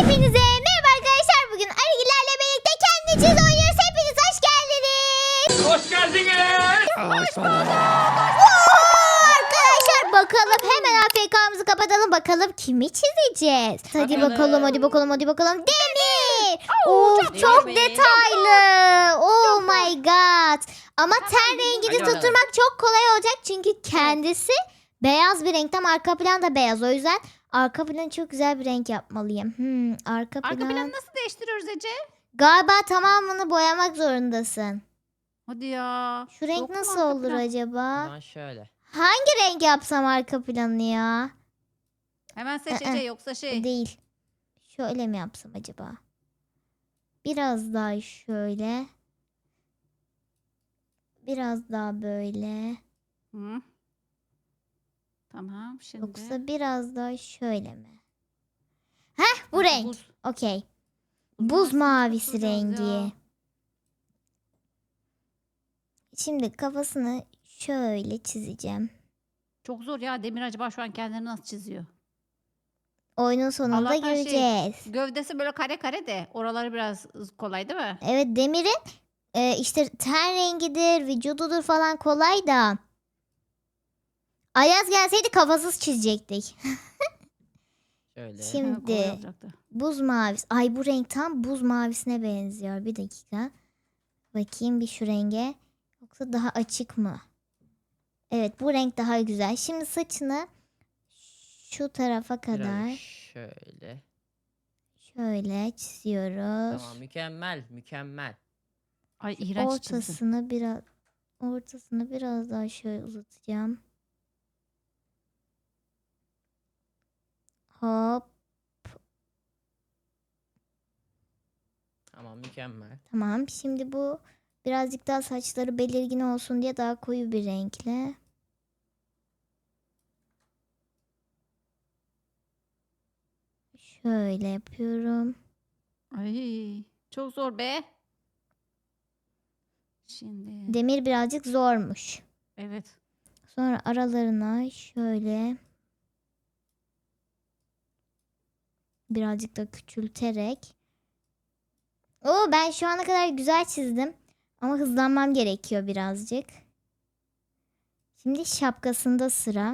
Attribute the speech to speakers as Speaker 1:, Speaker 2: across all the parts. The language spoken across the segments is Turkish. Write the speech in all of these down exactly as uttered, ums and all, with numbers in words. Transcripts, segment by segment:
Speaker 1: Hepinize merhaba arkadaşlar. Bugün Arıgilerle birlikte kendi çiz oynuyoruz. Hepiniz hoş geldiniz.
Speaker 2: Hoş geldiniz.
Speaker 3: Hoş bulduk.
Speaker 1: Arkadaşlar bakalım hemen A F K'mızı kapatalım. Bakalım kimi çizeceğiz. Hadi
Speaker 3: Bakalım.
Speaker 1: bakalım hadi bakalım hadi bakalım. Demir. Of
Speaker 3: çok
Speaker 1: çok
Speaker 3: iyi.
Speaker 1: detaylı. Oh my god. Ama ten rengini
Speaker 3: Hadi bakalım.
Speaker 1: tutturmak çok kolay olacak. Çünkü kendisi beyaz bir renk. Tam arka plan da beyaz. O yüzden arka planı çok güzel bir renk yapmalıyım. Hmm, arka plan.
Speaker 4: Arka planı nasıl değiştiriyoruz Ece?
Speaker 1: Galiba tamamını boyamak zorundasın.
Speaker 4: Hadi ya.
Speaker 1: Şu renk
Speaker 4: Yok mu
Speaker 1: nasıl
Speaker 4: arka
Speaker 1: olur
Speaker 4: plan?
Speaker 1: acaba?
Speaker 3: Lan şöyle.
Speaker 1: Hangi renk yapsam arka planı ya?
Speaker 4: Hemen seç
Speaker 1: Ee,
Speaker 4: Ece yoksa şey.
Speaker 1: Değil. Şöyle mi yapsam acaba? Biraz daha şöyle. Biraz daha böyle.
Speaker 4: Hı. Tamam şimdi.
Speaker 1: Yoksa biraz daha şöyle mi? Heh bu renk.
Speaker 4: Buz.
Speaker 1: Okey.
Speaker 4: Buz
Speaker 1: Buz
Speaker 4: mavisini
Speaker 1: mavisi
Speaker 4: tutturacağız
Speaker 1: rengi.
Speaker 4: ya.
Speaker 1: Şimdi kafasını şöyle çizeceğim.
Speaker 4: Çok zor ya. Demir acaba şu an kendini nasıl çiziyor?
Speaker 1: Oyunun sonunda
Speaker 4: Allah'tan şey-
Speaker 1: göreceğiz.
Speaker 4: Gövdesi böyle kare kare de oraları biraz kolay değil mi?
Speaker 1: Evet Demir'in e, işte ten rengidir, vücududur falan kolay da. Ayaz gelseydi kafasız çizecektik.
Speaker 3: Şöyle.
Speaker 1: Şimdi-
Speaker 4: Ha, kolay olacaktı.
Speaker 1: Buz mavisi. Ay bu renk tam buz mavisine benziyor. Bir dakika. Bakayım bir şu renge. Yoksa daha açık mı? Evet bu renk daha güzel. Şimdi saçını şu tarafa
Speaker 3: Biraz
Speaker 1: kadar
Speaker 3: şöyle.
Speaker 1: şöyle çiziyoruz.
Speaker 3: Tamam, mükemmel, mükemmel.
Speaker 4: Ay iğrenç çizdi.
Speaker 1: Ortasını biraz ortasını biraz daha şöyle uzatacağım. Hop.
Speaker 3: Tamam, mükemmel.
Speaker 1: Tamam. Şimdi bu birazcık daha saçları belirgin olsun diye daha koyu bir renkle. Şöyle yapıyorum.
Speaker 4: Ay çok zor be. Şimdi.
Speaker 1: Demir birazcık zormuş.
Speaker 4: Evet.
Speaker 1: Sonra aralarına şöyle birazcık da küçülterek. Oo ben şu ana kadar güzel çizdim. Ama hızlanmam gerekiyor birazcık. Şimdi şapkasında sıra.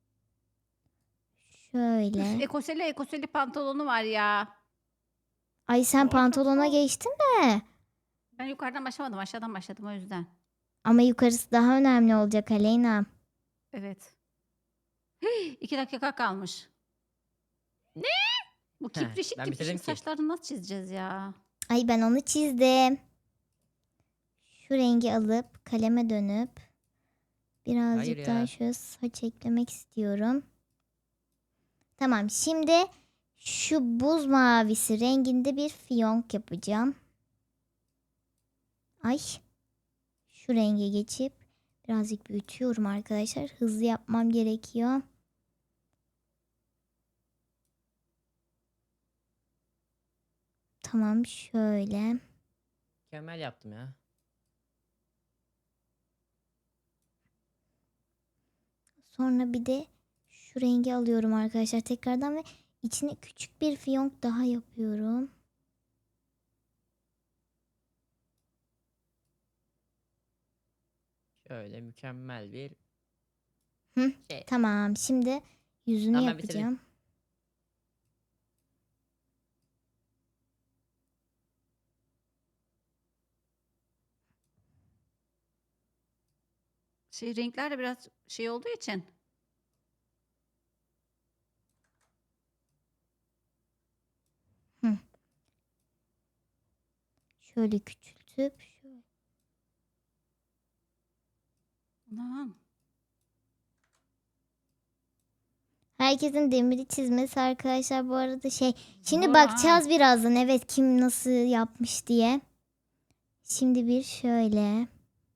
Speaker 1: Şöyle.
Speaker 4: Ekoseli ekoseli pantolonu var ya.
Speaker 1: Ay sen
Speaker 4: O çok
Speaker 1: pantolona
Speaker 4: zor.
Speaker 1: geçtin mi?
Speaker 4: Ben yukarıdan başlamadım aşağıdan başladım o yüzden.
Speaker 1: Ama yukarısı daha önemli olacak Aleyna.
Speaker 4: Evet. İki dakika kalmış. Ne? Bu
Speaker 3: Heh,
Speaker 4: kiprişik
Speaker 3: ben
Speaker 4: kiprişik
Speaker 3: bitirdim ki.
Speaker 4: saçlarını nasıl çizeceğiz ya?
Speaker 1: Ay ben onu çizdim. Şu rengi alıp kaleme dönüp birazcık
Speaker 3: Hayır
Speaker 1: daha
Speaker 3: ya.
Speaker 1: şöyle saç eklemek istiyorum. Tamam şimdi şu buz mavisi renginde bir fiyonk yapacağım. Ay şu renge geçip birazcık büyütüyorum arkadaşlar. Hızlı yapmam gerekiyor. Tamam şöyle.
Speaker 3: Mükemmel yaptım ya.
Speaker 1: Sonra bir de şu rengi alıyorum arkadaşlar tekrardan ve içine küçük bir fiyonk daha yapıyorum.
Speaker 3: Şöyle mükemmel bir
Speaker 1: Hı,
Speaker 3: şey.
Speaker 1: Tamam şimdi yüzünü
Speaker 3: Tamam, ben bitirdim.
Speaker 1: yapacağım.
Speaker 4: Şey renkler de biraz şey olduğu için.
Speaker 1: Şöyle küçültüp şöyle.
Speaker 4: Aman.
Speaker 1: Herkesin demiri çizmesi arkadaşlar bu arada şey. Şimdi
Speaker 4: Zor
Speaker 1: bakacağız birazdan evet kim nasıl yapmış diye. Şimdi bir şöyle.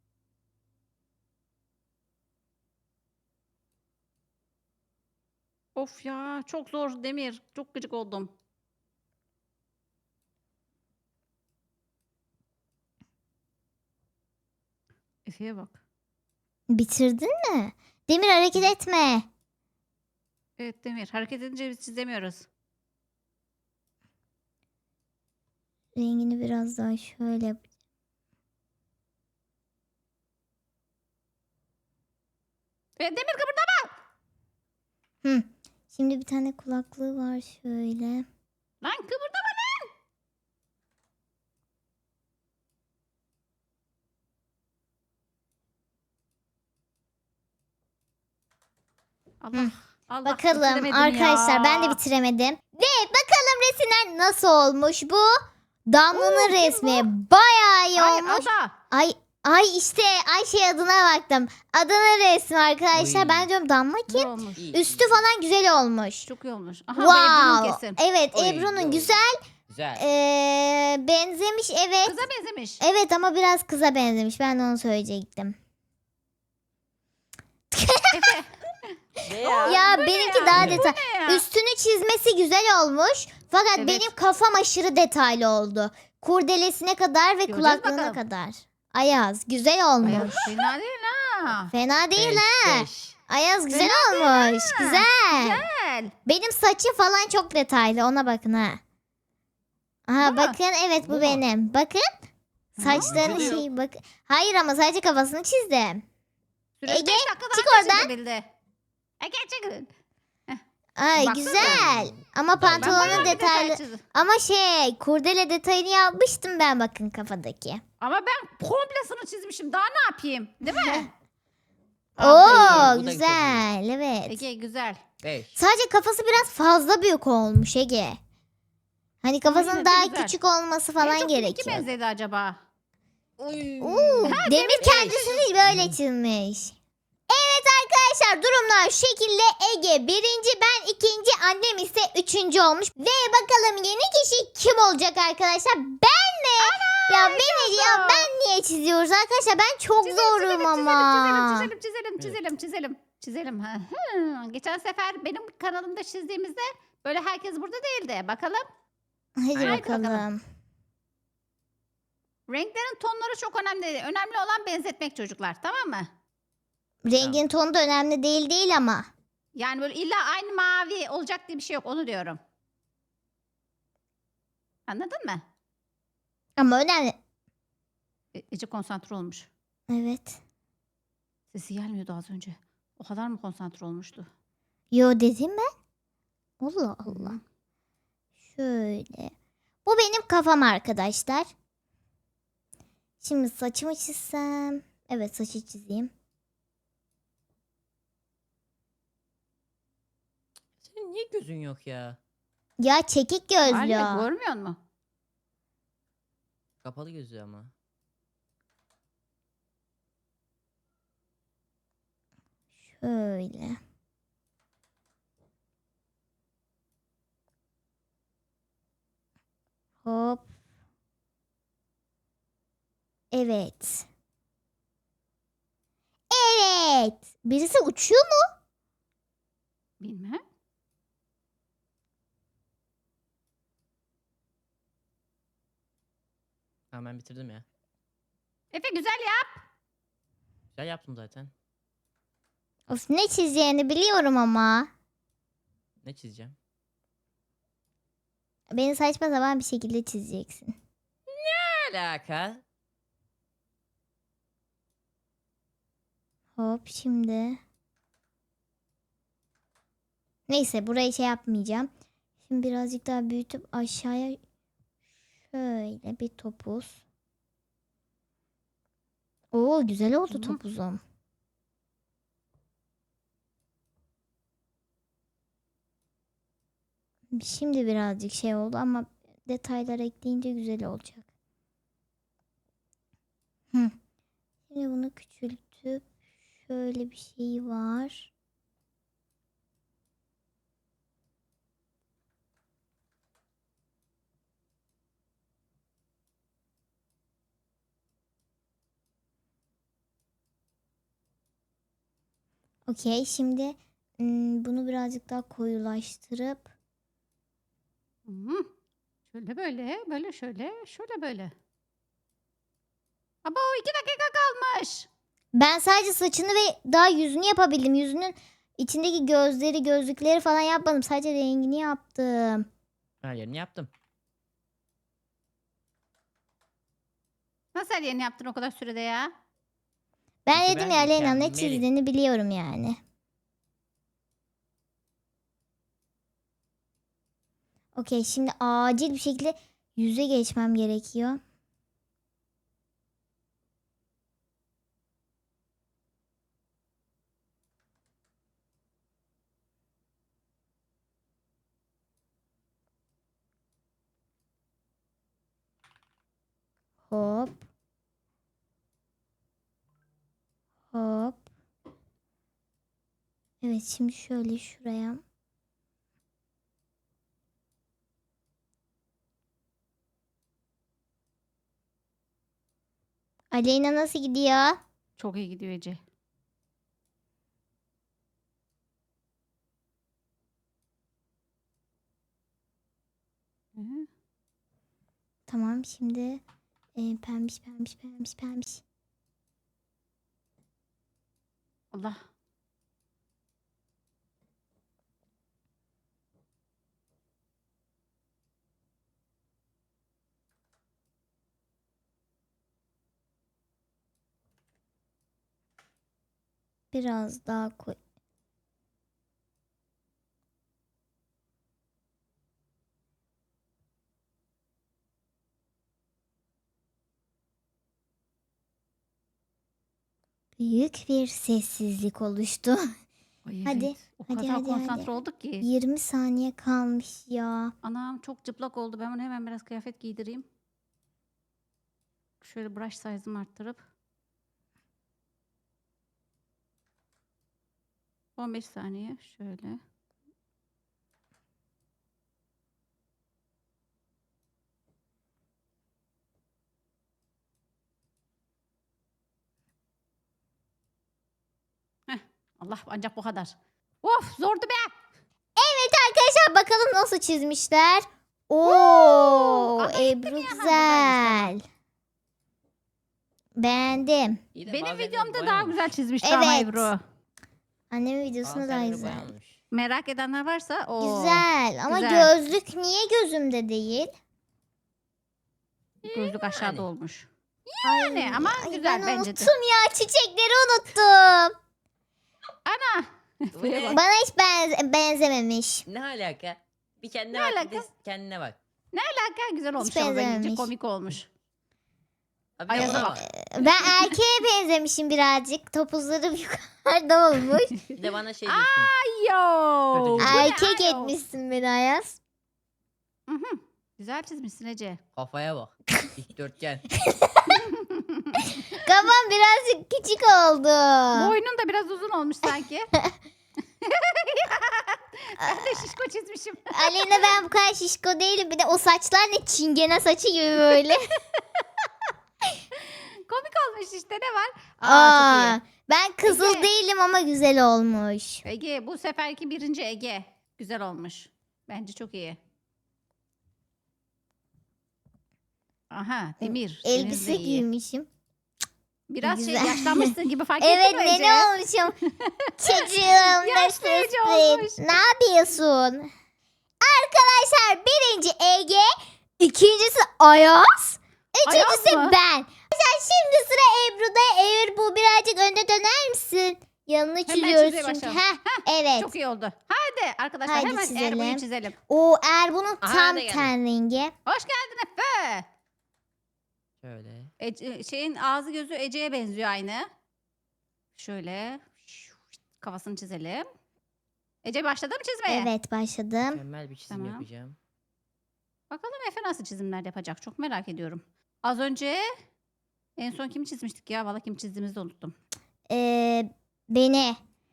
Speaker 4: Of ya çok zor Demir. Çok gıcık oldum. Efe'ye bak.
Speaker 1: Bitirdin mi? Demir hareket etme.
Speaker 4: Evet Demir hareket edince biz çizemiyoruz.
Speaker 1: rengini biraz daha şöyle yap-
Speaker 4: E, Demir kıpırdama.
Speaker 1: Hı. Şimdi bir tane kulaklığı var şöyle.
Speaker 4: Lan kıpırdama. Allah. Allah
Speaker 1: Bakalım
Speaker 4: bitiremedim
Speaker 1: arkadaşlar
Speaker 4: ya.
Speaker 1: ben de bitiremedim. Ve bakalım resimler nasıl olmuş bu? Damla'nın
Speaker 4: Oo, kim
Speaker 1: resmi bayağı iyi
Speaker 4: Ay
Speaker 1: olmuş.
Speaker 4: Ada.
Speaker 1: Ay ay işte Ayşe adına baktım. Adının resmi arkadaşlar.
Speaker 3: Oy.
Speaker 1: Ben diyorum Damla
Speaker 4: Güzel
Speaker 1: kim?
Speaker 4: olmuş.
Speaker 3: İyi,
Speaker 1: Üstü
Speaker 3: iyi.
Speaker 1: falan güzel olmuş.
Speaker 4: Çok iyi olmuş. Aha bu Ebru'nun
Speaker 1: Wow.
Speaker 4: kesin.
Speaker 1: Evet
Speaker 3: Oy,
Speaker 1: Ebru'nun
Speaker 3: oy.
Speaker 1: güzel.
Speaker 3: Güzel.
Speaker 1: Ee, benzemiş evet.
Speaker 4: Kıza benzemiş.
Speaker 1: Evet ama biraz kıza benzemiş. Ben de onu söyleyecektim.
Speaker 4: Efe.
Speaker 3: Ne ya?
Speaker 1: Ya
Speaker 4: bu ne
Speaker 1: benimki
Speaker 4: ya?
Speaker 1: daha
Speaker 3: Bu
Speaker 1: detay.
Speaker 4: Ne ya?
Speaker 1: Üstünü çizmesi güzel olmuş. Fakat
Speaker 4: Evet.
Speaker 1: benim kafam aşırı detaylı oldu. Kurdelesine kadar ve
Speaker 4: Göreceğiz
Speaker 1: kulaklığına
Speaker 4: bakalım.
Speaker 1: kadar. Ayaz güzel olmuş.
Speaker 4: Ay, fena değil ha.
Speaker 1: Fena değil
Speaker 3: Beş,
Speaker 1: ha.
Speaker 3: beş.
Speaker 1: Ayaz güzel
Speaker 4: Fena
Speaker 1: olmuş. Güzel.
Speaker 4: Güzel.
Speaker 1: Benim saçım falan çok detaylı. Ona bakın ha. Aha
Speaker 4: Bu mu?
Speaker 1: bakın evet bu,
Speaker 3: Bu mu?
Speaker 1: benim. Bakın. Saçlarını
Speaker 3: Vücudu yok.
Speaker 1: şey bak. Hayır ama sadece kafasını çizdim.
Speaker 4: Süresi
Speaker 1: Ege,
Speaker 4: beş dakikadan
Speaker 1: çık
Speaker 4: önce
Speaker 1: oradan.
Speaker 4: çizebildi. Ege çıkın.
Speaker 1: Ay
Speaker 4: Baksana.
Speaker 1: güzel. Ama
Speaker 3: Ben bayağı
Speaker 1: pantolonun
Speaker 4: bir detay
Speaker 1: detaylı.
Speaker 4: çizdim.
Speaker 1: Ama şey kurdele detayını yapmıştım ben bakın kafadaki.
Speaker 4: Ama ben komplesini çizmişim. Daha ne yapayım? Değil mi?
Speaker 1: Oo
Speaker 3: Aa, bu da
Speaker 1: güzel evet.
Speaker 4: Ege güzel.
Speaker 3: Beş.
Speaker 1: Sadece kafası biraz fazla büyük olmuş Ege. Hani
Speaker 4: yine
Speaker 1: kafasının
Speaker 4: de
Speaker 1: daha
Speaker 4: güzel.
Speaker 1: küçük olması
Speaker 4: En
Speaker 1: falan
Speaker 4: çok kiminki
Speaker 1: gerekiyor.
Speaker 4: benzedi acaba?
Speaker 3: Oy.
Speaker 1: Oo, Demir kendisini böyle çizmiş. Evet arkadaşlar durumlar şu şekilde. Ege birinci, ben ikinci, annem ise üçüncü olmuş. Ve bakalım yeni kişi kim olacak arkadaşlar? Ben mi? Ya beni ya
Speaker 4: zor.
Speaker 1: ben niye çiziyoruz arkadaşlar? Ben çok
Speaker 4: Çizelim,
Speaker 1: zorum
Speaker 4: çizelim,
Speaker 1: ama.
Speaker 4: Çizelim, çizelim, çizelim, çizelim, çizelim, çizelim. Hı hı. Geçen sefer benim kanalımda çizdiğimizde böyle herkes burada değildi. Bakalım.
Speaker 1: Hadi
Speaker 3: Haydi
Speaker 1: bakalım.
Speaker 4: bakalım. Renklerin tonları çok önemli değil. Önemli olan benzetmek çocuklar. Tamam mı?
Speaker 1: Rengin tonu da önemli değil değil ama.
Speaker 4: Yani böyle illa aynı mavi olacak diye bir şey yok. Onu diyorum. Anladın mı?
Speaker 1: Ama önemli.
Speaker 4: E- Ece konsantre olmuş.
Speaker 1: Evet.
Speaker 4: Sesi gelmiyordu az önce. O kadar mı konsantre olmuştu?
Speaker 1: Yo dedim ben. Allah Allah.
Speaker 4: Hı.
Speaker 1: Şöyle. Bu benim kafam arkadaşlar. Şimdi saçımı çizsem. Evet saçı çizeyim.
Speaker 3: Senin niye gözün yok ya?
Speaker 1: Ya çekik
Speaker 4: Var
Speaker 1: gözlü.
Speaker 4: ya,
Speaker 1: o.
Speaker 4: görmüyor musun?
Speaker 3: Kapalı gözü ama.
Speaker 1: Şöyle. Hop. Evet. Evet. Birisi uçuyor mu?
Speaker 4: Bilmem.
Speaker 3: Tamam ben bitirdim ya.
Speaker 4: Efe güzel ya.
Speaker 3: Güzel yaptım zaten.
Speaker 1: Of ne çizeceğini biliyorum ama.
Speaker 3: Ne çizeceğim?
Speaker 1: Beni saçma sapan bir şekilde çizeceksin.
Speaker 3: Ne alaka?
Speaker 1: Hop şimdi. Neyse burayı şey yapmayacağım. Şimdi birazcık daha büyütüp aşağıya şöyle bir topuz. Oo güzel oldu
Speaker 4: Hı.
Speaker 1: topuzum. Şimdi birazcık şey oldu ama detaylar ekleyince güzel olacak. Hı. Şimdi bunu küçültüp şöyle bir şey var. Okey şimdi ım, bunu birazcık daha koyulaştırıp
Speaker 4: Hı. Şöyle böyle, böyle şöyle, şöyle böyle. Aba o iki dakika kalmış.
Speaker 1: ben sadece saçını ve daha yüzünü yapabildim. Yüzünün içindeki gözleri, gözlükleri falan yapmadım. Sadece rengini yaptım.
Speaker 3: Her yerini yaptım.
Speaker 4: Nasıl yeni yaptın o kadar sürede ya?
Speaker 1: Ben
Speaker 3: Çünkü
Speaker 1: dedim
Speaker 3: ben
Speaker 1: ya Aleyna ne
Speaker 3: mükemmelim.
Speaker 1: çizdiğini biliyorum yani. Okey, şimdi acil bir şekilde yüze geçmem gerekiyor. Hop. Hop. Evet, şimdi şöyle şuraya. Aleyna nasıl gidiyor?
Speaker 4: Çok iyi gidiyor Ece. Hı.
Speaker 1: Tamam, şimdi e, pembiş pembiş pembiş pembiş.
Speaker 4: Allah.
Speaker 1: Biraz daha koy. Büyük bir sessizlik oluştu.
Speaker 4: Ay
Speaker 1: Hadi,
Speaker 4: evet. O
Speaker 1: hadi,
Speaker 4: kadar
Speaker 1: hadi,
Speaker 4: konsantre
Speaker 1: hadi.
Speaker 4: olduk ki.
Speaker 1: yirmi saniye kalmış ya.
Speaker 4: Anam çok cıplak oldu. Ben bunu hemen biraz kıyafet giydireyim. Şöyle brush size'ımı arttırıp. on beş saniye şöyle. Heh, Allah ancak bu kadar. Of zordu be.
Speaker 1: Evet arkadaşlar, bakalım nasıl çizmişler. Oo,
Speaker 4: Ama
Speaker 1: Ebru
Speaker 4: buradaymış,
Speaker 1: güzel. Beğendim.
Speaker 3: İyi de
Speaker 4: Benim
Speaker 3: bazı yerleri
Speaker 4: videomda daha
Speaker 3: boyamamış.
Speaker 4: güzel çizmişti ama
Speaker 1: Evet.
Speaker 4: Ebru.
Speaker 1: Annemin videosunda
Speaker 3: Bazı
Speaker 1: daha
Speaker 3: yerleri
Speaker 1: güzel.
Speaker 3: boyamamış.
Speaker 4: Merak edenler varsa o
Speaker 1: Güzel ama
Speaker 4: güzel.
Speaker 1: gözlük niye gözümde değil?
Speaker 4: Gözlük aşağıda
Speaker 3: Yani.
Speaker 4: olmuş.
Speaker 1: Ay,
Speaker 4: Yani ama
Speaker 1: ay,
Speaker 4: güzel
Speaker 1: ben
Speaker 4: bence de.
Speaker 1: unuttum ya, çiçekleri unuttum.
Speaker 4: Ana.
Speaker 3: Bu ne?
Speaker 1: Bana hiç benze- benzememiş.
Speaker 3: Ne alaka? Bir kendine
Speaker 4: Ne
Speaker 3: bak bir
Speaker 4: alaka?
Speaker 3: de kendine bak.
Speaker 4: Hakikaten güzel olmuş ama bence
Speaker 1: benzememiş.
Speaker 4: komik olmuş.
Speaker 3: Abi bir de
Speaker 4: Ayaza
Speaker 3: buna
Speaker 4: bak.
Speaker 3: bak.
Speaker 1: Ben erkeğe benzemişim birazcık. Topuzlarım yukarıda olmuş.
Speaker 3: Bir de bana şey diyorsun.
Speaker 4: Yo.
Speaker 3: Kötücül.
Speaker 4: Bu ne
Speaker 1: Erkek
Speaker 4: ayol?
Speaker 1: etmişsin beni Ayaz.
Speaker 4: Hı hı. Güzel çizmişsin Ece.
Speaker 3: Kafaya bak. Dikdörtgen.
Speaker 1: Kafam birazcık küçük oldu.
Speaker 4: Boynun da biraz uzun olmuş sanki. Ben de şişko çizmişim.
Speaker 1: Aleyna, ben bu kadar şişko değilim. Bir de o saçlar ne, çingene saçı gibi böyle.
Speaker 4: Komik olmuş işte, ne var? Aa,
Speaker 1: Aa,
Speaker 4: çok iyi.
Speaker 1: ben kızıl
Speaker 4: Ege.
Speaker 1: değilim ama güzel olmuş.
Speaker 4: Ege bu seferki birinci Ege. Güzel olmuş. Bence çok iyi. Aha Demir. Demir de
Speaker 1: Elbise
Speaker 4: iyi.
Speaker 1: giymişim.
Speaker 4: Biraz şey
Speaker 1: Güzel.
Speaker 4: yaşlanmışsın gibi fark
Speaker 1: Evet,
Speaker 4: ettin mi Ece?
Speaker 1: nene olmuşum. Çocuğum
Speaker 4: Yaşlı Ece
Speaker 1: nasılsın?
Speaker 4: olmuş.
Speaker 1: Ne yapıyorsun? Arkadaşlar, birinci Ege, ikincisi Ayaz, üçüncüsü
Speaker 4: Ayaz mı?
Speaker 1: ben. Arkadaşlar, şimdi sıra Ebru'da. Ebru, birazcık önde döner misin? Yanını çiziyoruz
Speaker 4: çizmeye
Speaker 1: çünkü.
Speaker 4: başlayalım.
Speaker 1: Heh, evet.
Speaker 4: Çok iyi oldu. Hadi arkadaşlar
Speaker 1: Haydi
Speaker 4: hemen
Speaker 1: çizelim.
Speaker 4: Erbu'yu çizelim.
Speaker 1: O Erbu'nun
Speaker 3: Aha,
Speaker 1: tam
Speaker 3: ne geldi?
Speaker 1: ten rengi.
Speaker 4: Hoş geldin Efe.
Speaker 3: Şöyle.
Speaker 4: Ece- şeyin ağzı gözü Ece'ye benziyor aynı. Şöyle kafasını çizelim. Ece başladı mı çizmeye?
Speaker 1: Evet, başladım.
Speaker 3: Mükemmel bir çizim
Speaker 4: Tamam.
Speaker 3: yapacağım.
Speaker 4: Bakalım Efe nasıl çizimler yapacak. Çok merak ediyorum. Az önce en son kimi çizmiştik ya? Valla kim çizdiğimizi de unuttum.
Speaker 1: Ee, beni.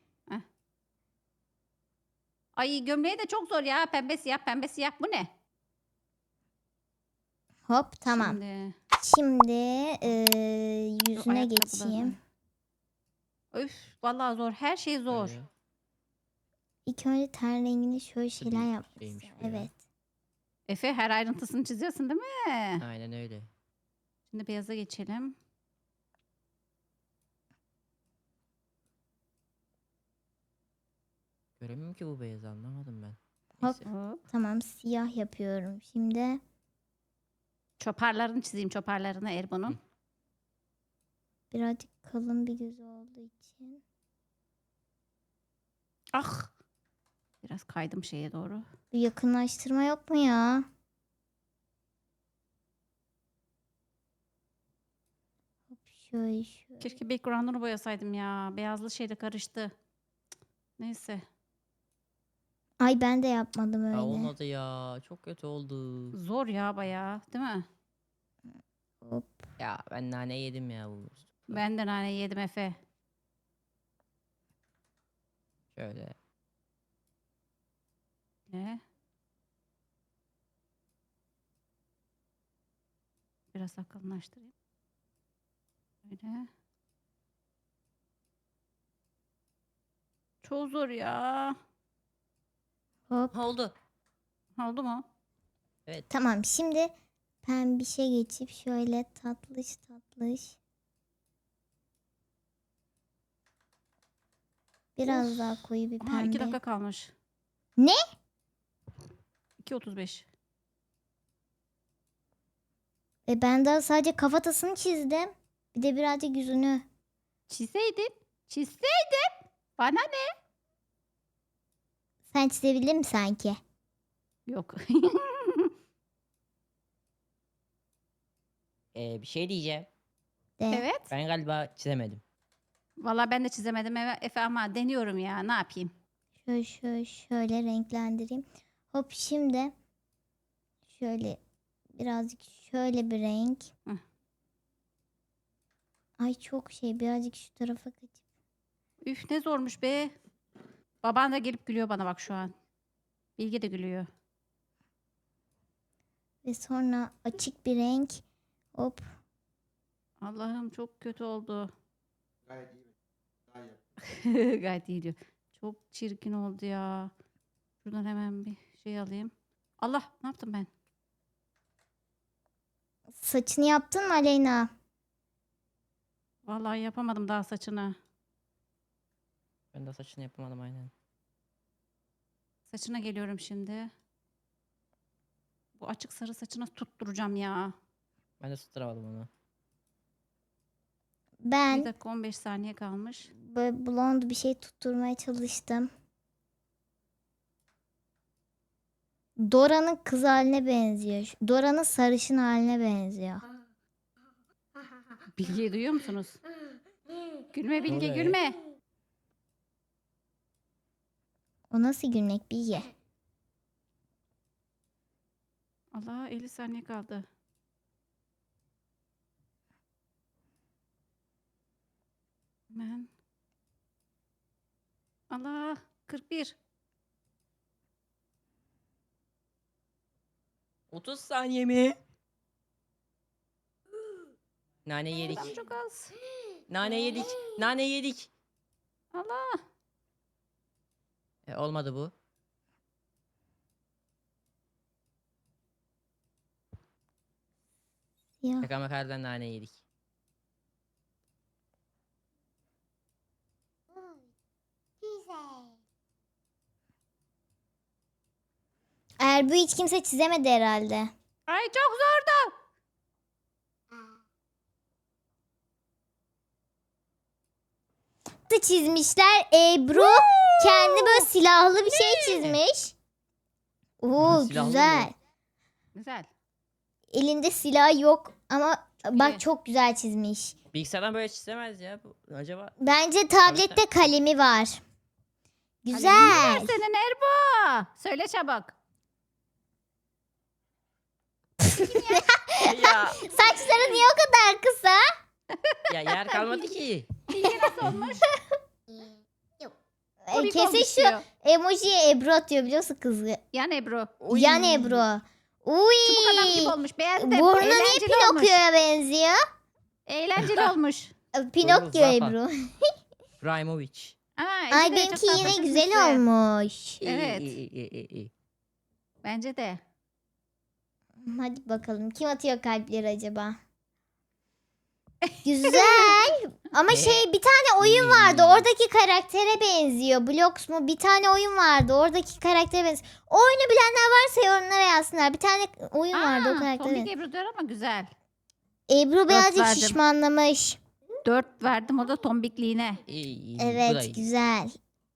Speaker 4: Ay gömleği de çok zor ya. Pembe siyah pembe siyah. Bu ne?
Speaker 1: Hop, tamam.
Speaker 4: Şimdi,
Speaker 1: Şimdi ee,
Speaker 4: şu
Speaker 1: yüzüne
Speaker 4: ayakkabıları-
Speaker 1: geçeyim.
Speaker 4: Öf vallahi zor. Her şey zor.
Speaker 3: Böyle.
Speaker 1: İlk önce ten rengini şöyle şeyler
Speaker 3: büyük
Speaker 1: yapmışsın.
Speaker 3: şeymiş bu ya.
Speaker 1: Evet.
Speaker 4: Efe her ayrıntısını çiziyorsun değil mi?
Speaker 3: Aynen öyle.
Speaker 4: Şimdi beyaza geçelim.
Speaker 3: Göremiyorum ki bu beyazı, anlamadım ben.
Speaker 1: Hop.
Speaker 3: Neyse.
Speaker 4: Hop.
Speaker 1: Tamam, siyah yapıyorum. Şimdi
Speaker 4: Çoparlarını çizeyim. Çoparlarını Erbo'nun.
Speaker 1: Birazcık kalın bir gözü olduğu için.
Speaker 4: Ah. Biraz kaydım şeye doğru.
Speaker 1: Bir yakınlaştırma yok mu ya? Hop şöyle şöyle.
Speaker 4: Keşke background'unu boyasaydım ya. Beyazlı şeyle karıştı. Cık, neyse.
Speaker 1: Ay ben de yapmadım öyle.
Speaker 3: Ya olmadı ya. Çok kötü oldu.
Speaker 4: Zor ya bayağı, değil mi?
Speaker 1: Hop.
Speaker 3: Ya ben nane yedim ya bu.
Speaker 4: Ben de nane yedim Efe.
Speaker 3: Şöyle.
Speaker 4: Ne? Biraz akıllaştırayım. Böyle. Çok zor ya.
Speaker 1: Hop.
Speaker 3: Oldu.
Speaker 4: Oldu mu?
Speaker 3: Evet.
Speaker 1: Tamam şimdi pembişe geçip şöyle tatlış tatlış. Biraz
Speaker 4: Of.
Speaker 1: daha koyu bir
Speaker 4: Aha, iki
Speaker 1: pembe.
Speaker 4: dakika kalmış.
Speaker 1: Ne?
Speaker 4: iki otuz beş.
Speaker 1: E ben daha sadece kafatasını çizdim. Bir de birazcık yüzünü.
Speaker 4: Çizeydin. Çizeydin. Bana ne?
Speaker 1: Sen çizebildin mi sanki?
Speaker 4: Yok.
Speaker 3: Ee, bir şey diyeceğim.
Speaker 1: De.
Speaker 4: Evet.
Speaker 3: Ben galiba çizemedim.
Speaker 4: Valla ben de çizemedim Efe Efe ama deniyorum ya. Ne yapayım?
Speaker 1: Şöyle şöyle şöyle renklendireyim. Hop şimdi şöyle birazcık şöyle bir renk.
Speaker 4: Hı.
Speaker 1: Ay çok şey birazcık şu tarafa kaçıp.
Speaker 4: Üf ne zormuş be. Baban da gelip gülüyor bana bak şu an. Bilge de gülüyor.
Speaker 1: Ve sonra açık bir renk. Hop.
Speaker 4: Allah'ım çok kötü oldu.
Speaker 2: Gayet iyi. Daha iyi.
Speaker 4: Gayet iyi diyor. Çok çirkin oldu ya. Şuradan hemen bir şey alayım. Allah ne yaptım ben?
Speaker 1: Saçını yaptın mı Aleyna?
Speaker 4: Vallahi yapamadım daha saçını.
Speaker 3: Ben de saçını yapamadım aynen.
Speaker 4: Saçına geliyorum şimdi. Bu açık sarı saçına tutturacağım ya.
Speaker 3: Ben de tutturamadım onu.
Speaker 4: bir
Speaker 1: Ben
Speaker 4: dakika on beş saniye kalmış.
Speaker 1: böyle blond bir şey tutturmaya çalıştım. Dora'nın kız haline benziyor. Dora'nın sarışın haline benziyor.
Speaker 4: Bilge'yi duyuyor musunuz? Gülme Bilge
Speaker 3: oluyor ya?
Speaker 4: gülme.
Speaker 1: O nasıl gülmek Bilge?
Speaker 4: Allah elli saniye kaldı. Hemen. Allah kırk bir.
Speaker 3: otuz saniye mi? Nane yedik.
Speaker 4: Adam çok az.
Speaker 3: Nane yedik. Nane yedik.
Speaker 4: Allah.
Speaker 3: E, olmadı bu.
Speaker 1: Ya.
Speaker 3: Şaka makardan nane yedik.
Speaker 1: Erbu hiç kimse çizemedi herhalde.
Speaker 4: Ay çok zordu.
Speaker 1: Da çizmişler. Ebru kendi böyle silahlı bir şey çizmiş. Oo
Speaker 3: Silahlı mı?
Speaker 1: güzel.
Speaker 4: Güzel.
Speaker 1: Elinde silah yok ama
Speaker 4: Çok
Speaker 1: bak
Speaker 4: iyi.
Speaker 1: çok güzel çizmiş.
Speaker 3: Bilgisayardan böyle çizemez ya. Bu, acaba
Speaker 1: Bence tablette
Speaker 3: Tabii, tabii.
Speaker 1: kalemi var.
Speaker 4: Kalemin
Speaker 1: Güzel.
Speaker 4: var senin Erbo. Söyle çabuk.
Speaker 3: ya,
Speaker 1: Saçları niye o kadar kısa?
Speaker 3: ya yer kalmadı ki.
Speaker 4: Bilge nasıl olmuş?
Speaker 1: E,
Speaker 4: Komik
Speaker 1: kesin
Speaker 4: olmuş
Speaker 1: şu
Speaker 4: diyor.
Speaker 1: emojiye Ebru atıyor biliyorsun kızı.
Speaker 4: Yan Ebru.
Speaker 3: Oy.
Speaker 1: Yan Ebru. Uy.
Speaker 4: Çubuk adam gibi olmuş. Beğendim.
Speaker 1: Burnu niye
Speaker 4: Eğlenceli olmuş.
Speaker 1: Pinokyo'ya benziyor?
Speaker 4: Eğlenceli olmuş.
Speaker 1: E, Pinokyo
Speaker 3: Zafa.
Speaker 1: Ebru.
Speaker 3: Primovic.
Speaker 4: Aa, Ece
Speaker 1: Ay
Speaker 4: de
Speaker 1: benimki
Speaker 4: çok tatlı
Speaker 1: yine
Speaker 4: çizmiş
Speaker 1: güzel
Speaker 4: be.
Speaker 1: olmuş.
Speaker 4: Evet.
Speaker 3: İyi, iyi, iyi, iyi.
Speaker 4: Bence de.
Speaker 1: Hadi bakalım kim atıyor kalpleri acaba? Güzel. Ama
Speaker 3: Ne?
Speaker 1: şey bir tane oyun vardı. Oradaki karaktere benziyor. Blox mu? Bir tane oyun vardı. Oradaki karaktere benziyor. O oyunu bilenler varsa yorumlara yazsınlar. Bir tane oyun vardı o
Speaker 4: Aa,
Speaker 1: karaktere
Speaker 4: Tombik
Speaker 1: benziyor.
Speaker 4: Ebru diyor ama güzel.
Speaker 1: Ebru birazcık
Speaker 4: verdim.
Speaker 1: şişmanlamış.
Speaker 4: dört verdim o da tombikliğine.
Speaker 3: İyi, iyi, iyi. Bu da
Speaker 1: Evet
Speaker 3: iyi.
Speaker 1: güzel.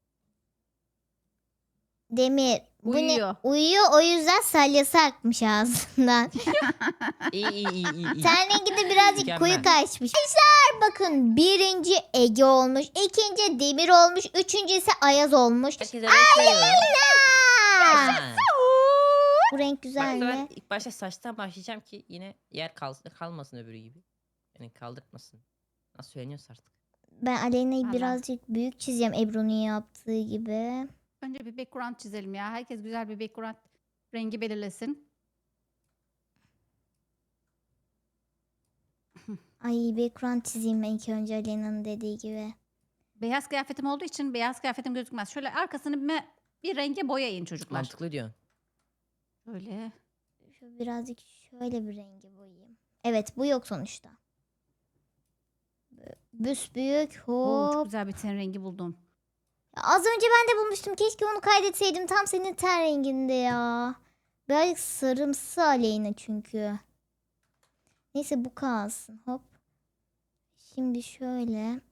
Speaker 1: Demir. Bu ne?
Speaker 4: Uyuyor.
Speaker 1: Uyuyor o yüzden salyası akmış ağzından.
Speaker 3: İyi iyi iyi iyi. iyi.
Speaker 1: Ten rengi de birazcık koyu
Speaker 3: Mükemmel.
Speaker 1: kaçmış. Arkadaşlar bakın birinci Ege olmuş. İkinci Demir olmuş. Üçüncü ise Ayaz olmuş.
Speaker 3: Herkese renk veriyorum.
Speaker 1: Aa!
Speaker 3: Ha.
Speaker 1: Bu renk
Speaker 3: Bak
Speaker 1: güzel
Speaker 3: ben
Speaker 1: mi?
Speaker 3: ilk başta saçtan başlayacağım ki yine yer kal kalmasın öbürü gibi. Yani kaldırtmasın. Nasıl söyleniyorsa artık.
Speaker 1: Ben Aleyna'yı
Speaker 4: Valla.
Speaker 1: birazcık büyük çizeceğim Ebru'nun yaptığı gibi.
Speaker 4: Önce bir background çizelim ya. Herkes güzel bir background rengi belirlesin.
Speaker 1: Ay background çizeyim ben ilk önce Aleyna'nın dediği gibi.
Speaker 4: Beyaz kıyafetim olduğu için beyaz kıyafetim gözükmez. Şöyle arkasını bir, bir renge boyayın çocuklar.
Speaker 3: Mantıklı diyorsun.
Speaker 4: Böyle.
Speaker 1: Şu birazcık şöyle bir rengi boyayayım. Evet bu yok sonuçta. Böyle büsbüyük
Speaker 4: Oo, çok
Speaker 1: hop.
Speaker 4: güzel bir ten rengi buldum.
Speaker 1: Ya az önce ben de bulmuştum. Keşke onu kaydetseydim. Tam senin ten renginde ya. Birazcık sarımsı Aleyna çünkü. Neyse bu kalsın. Hop. Şimdi şöyle.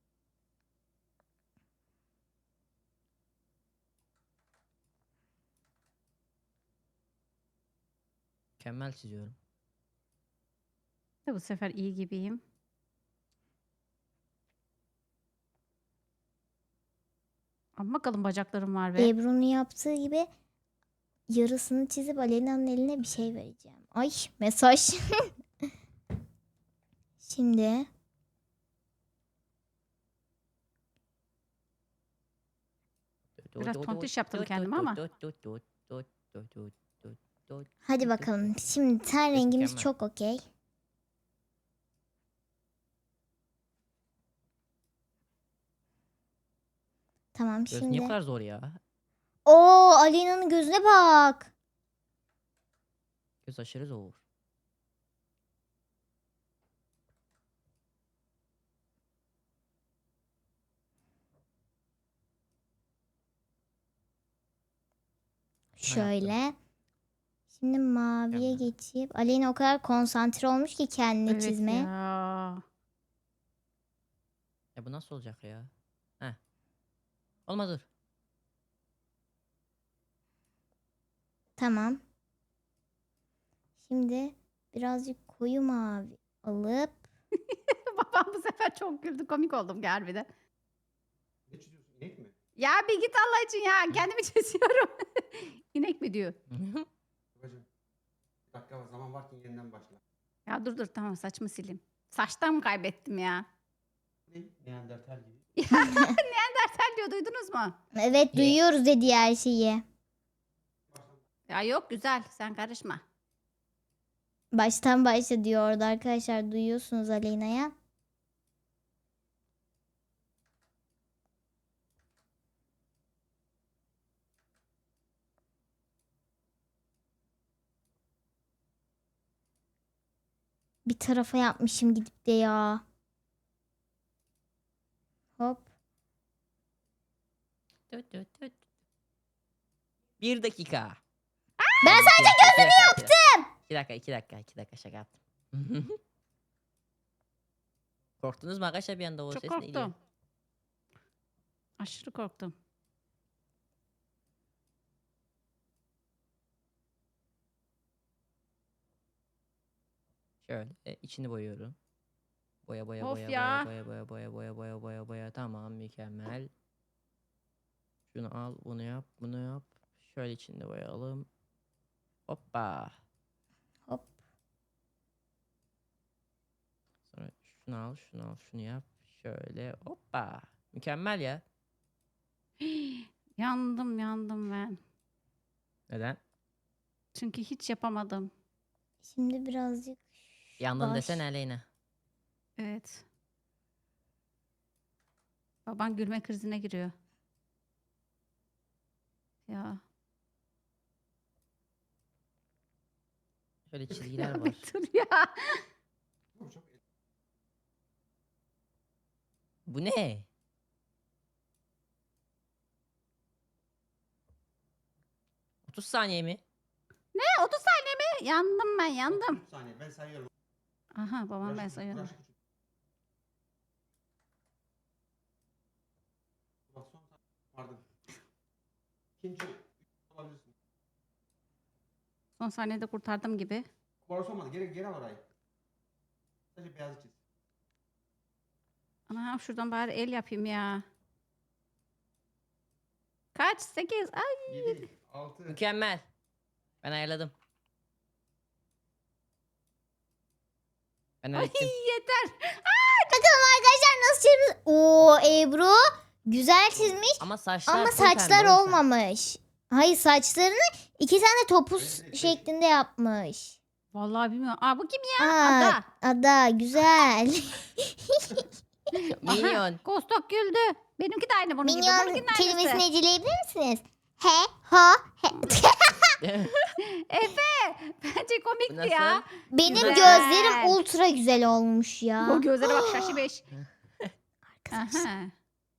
Speaker 3: Mükemmel çiziyorum.
Speaker 4: De bu sefer iyi gibiyim. Ama bakalım bacaklarım var ve.
Speaker 1: Ebru'nun yaptığı gibi yarısını çizip Aleyna'nın eline bir şey vereceğim. Ay mesaj. Şimdi
Speaker 4: Biraz tontiş yaptım kendime ama.
Speaker 1: hadi bakalım. Şimdi ten rengimiz
Speaker 3: Mükemmel.
Speaker 1: çok okey. Tamam
Speaker 3: Göz
Speaker 1: şimdi.
Speaker 3: niye bu kadar zor ya?
Speaker 1: Oo Aleyna'nın gözüne bak.
Speaker 3: Göz aşırı zor.
Speaker 1: Şöyle. Şimdi maviye
Speaker 3: Mükemmel.
Speaker 1: geçip Aleyna o kadar konsantre olmuş ki kendini
Speaker 4: Evet
Speaker 1: çizmeye.
Speaker 4: ya.
Speaker 3: Ya bu nasıl olacak ya? Heh. Olmadı. Dur.
Speaker 1: Tamam. Şimdi birazcık koyu mavi alıp
Speaker 4: Babam bu sefer çok güldü. Komik oldum harbiden.
Speaker 2: Ne çiziyorsun? İnek mi?
Speaker 4: Ya bir git Allah için ya. Kendimi çiziyorum. İnek mi diyor?
Speaker 2: Babacım. Bir dakika var. Zaman varken yeniden başla.
Speaker 4: Ya dur dur tamam saçımı sileyim. Saçtan mı kaybettim ya?
Speaker 2: Ne? Neandertal gibi.
Speaker 4: Neandertal diyor duydunuz mu?
Speaker 1: evet
Speaker 3: Ye.
Speaker 1: duyuyoruz dedi her şeyi.
Speaker 4: Ya yok güzel sen karışma.
Speaker 1: Baştan başla diyor orada arkadaşlar duyuyorsunuz Aleyna'ya. Bir tarafa yapmışım gidip de ya. Hop.
Speaker 3: Tüt tüt tüt. Bir dakika.
Speaker 1: Ben
Speaker 3: sadece gözünü yaptım. İki dakika, iki dakika, iki dakika şaka yaptım. Korktunuz mu arkadaşlar bir anda o
Speaker 4: Çok
Speaker 3: ses neydi ya?
Speaker 4: korktum. Aşırı korktum.
Speaker 3: Şöyle e, içini boyuyorum. Boya boya
Speaker 4: Of
Speaker 3: boya
Speaker 4: ya.
Speaker 3: boya boya boya boya boya boya boya tamam mükemmel. Şunu al, bunu yap, bunu yap. Şöyle içinde boyayalım. Hoppa.
Speaker 1: Hop.
Speaker 3: Sonra şunu al, şunu al, şunu yap. Şöyle hoppa. Mükemmel ya.
Speaker 4: Yandım yandım ben.
Speaker 3: Neden?
Speaker 4: Çünkü hiç yapamadım.
Speaker 1: Şimdi birazcık
Speaker 3: Yandın
Speaker 1: baş-
Speaker 3: desene Aleyna.
Speaker 4: Evet. Baban gülme krizine giriyor. Ya.
Speaker 3: Şöyle çizgiler
Speaker 4: Ya
Speaker 3: var.
Speaker 4: bir dur ya.
Speaker 2: Oğlum çok
Speaker 3: Bu ne? otuz saniye mi?
Speaker 4: Ne otuz saniye mi? Yandım ben yandım.
Speaker 2: otuz saniye. Ben sayıyorum.
Speaker 4: Aha babam ben
Speaker 2: Uğraş-
Speaker 4: sayıyorum.
Speaker 2: uğraş küçük. Pardon. İkinci olabilirsin.
Speaker 4: Son saniyede kurtardım gibi.
Speaker 2: Orası olmadı. Geri geri al orayı. Sadece beyazı çiz.
Speaker 4: Ana şuradan bari el yapayım ya. Kaç? Sekiz. Ay.
Speaker 2: Yedi, altı.
Speaker 3: Mükemmel. Ben ayarladım. Ben
Speaker 4: Ay
Speaker 3: hallettim.
Speaker 4: yeter.
Speaker 1: Bakalım arkadaşlar nasıl çizmiş. Oo Ebru güzel çizmiş
Speaker 3: Ama saçlar
Speaker 1: ama
Speaker 3: full pembe,
Speaker 1: saçlar
Speaker 3: o yüzden.
Speaker 1: olmamış. Hayır saçlarını iki tane topuz
Speaker 2: Öyle değil.
Speaker 1: şeklinde yapmış.
Speaker 4: Vallahi bilmiyorum. Aa bu kim ya?
Speaker 1: Aa,
Speaker 4: Ada.
Speaker 1: Ada güzel.
Speaker 3: Minyon.
Speaker 4: Kostok güldü. Benimki de aynı bunun gibi.
Speaker 1: Minyon
Speaker 4: Bununkinin
Speaker 1: kelimesini
Speaker 4: aynısı.
Speaker 1: eceleyebilir misiniz? He, ho, he.
Speaker 4: Efe. Bence
Speaker 3: Bu
Speaker 4: komikti
Speaker 3: nasıl?
Speaker 4: ya.
Speaker 1: Benim
Speaker 4: Güzel.
Speaker 1: gözlerim ultra güzel olmuş ya.
Speaker 4: O gözlere bak şaşı beş.
Speaker 1: Arkadaşlar.
Speaker 4: Aha.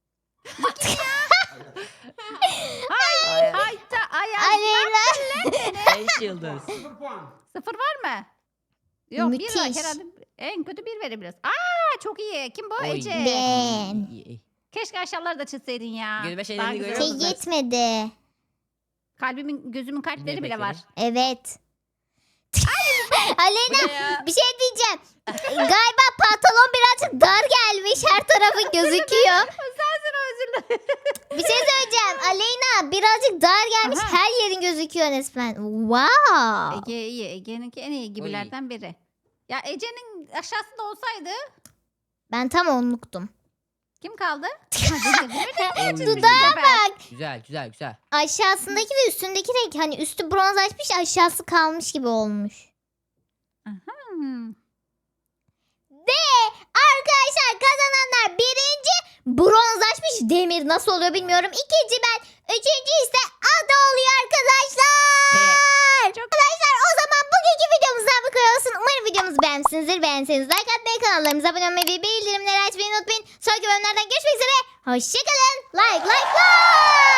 Speaker 3: Ay,
Speaker 4: Hayta ayaz.
Speaker 1: Aleyna.
Speaker 3: Beş yıldız.
Speaker 2: Sıfır puan.
Speaker 4: Sıfır var mı? Yok bir var
Speaker 1: Müthiş.
Speaker 4: herhalde. En kötü bir verebiliriz. Aa çok iyi. Kim bu?
Speaker 3: Oy.
Speaker 4: Ece.
Speaker 1: Ben.
Speaker 3: İyi, iyi.
Speaker 4: Keşke aşağıları da çizseydin ya.
Speaker 3: Gözüme şeyleri
Speaker 4: Daha güzel
Speaker 3: görüyor
Speaker 1: Şey
Speaker 4: olurdu.
Speaker 3: musun?
Speaker 1: yetmedi.
Speaker 4: Kalbimin gözümün kalpleri
Speaker 3: Yine
Speaker 4: bile var.
Speaker 3: bekledim.
Speaker 1: Evet.
Speaker 3: Bu
Speaker 1: Aleyna
Speaker 3: ne ya?
Speaker 1: bir şey diyeceğim. Galiba pantolon birazcık dar gelmiş. Her tarafın gözüküyor.
Speaker 4: Sensin o özür dilerim.
Speaker 1: Bir şey söyleyeceğim. Aleyna birazcık dar gelmiş.
Speaker 4: Aha.
Speaker 1: Her yerin gözüküyor resmen. Wow.
Speaker 4: Ege iyi. Ege'ninki en iyi gibilerden biri. Ya Ece'nin aşağısında olsaydı
Speaker 1: Ben tam onluktum.
Speaker 4: kim kaldı? Ha, Ece, değil mi?
Speaker 3: Oy.
Speaker 1: Dudağa bak.
Speaker 3: Güzel güzel güzel.
Speaker 1: Aşağısındaki ve üstündeki renk hani üstü bronzlaşmış aşağısı kalmış gibi olmuş.
Speaker 4: Hmm.
Speaker 1: Ve arkadaşlar kazananlar birinci bronzlaşmış Demir nasıl oluyor bilmiyorum. İkinci ben. Üçüncü ise Ada oluyor arkadaşlar. Arkadaşlar o zaman bugünkü videomuzdan bu kadar olsun. Umarım videomuzu beğenmişsinizdir. Beğenseniz like atmayı, kanallarımıza abone olmayı ve bildirimleri açmayı unutmayın. Sonraki bölümlerden görüşmek üzere. Hoşçakalın. Like like like.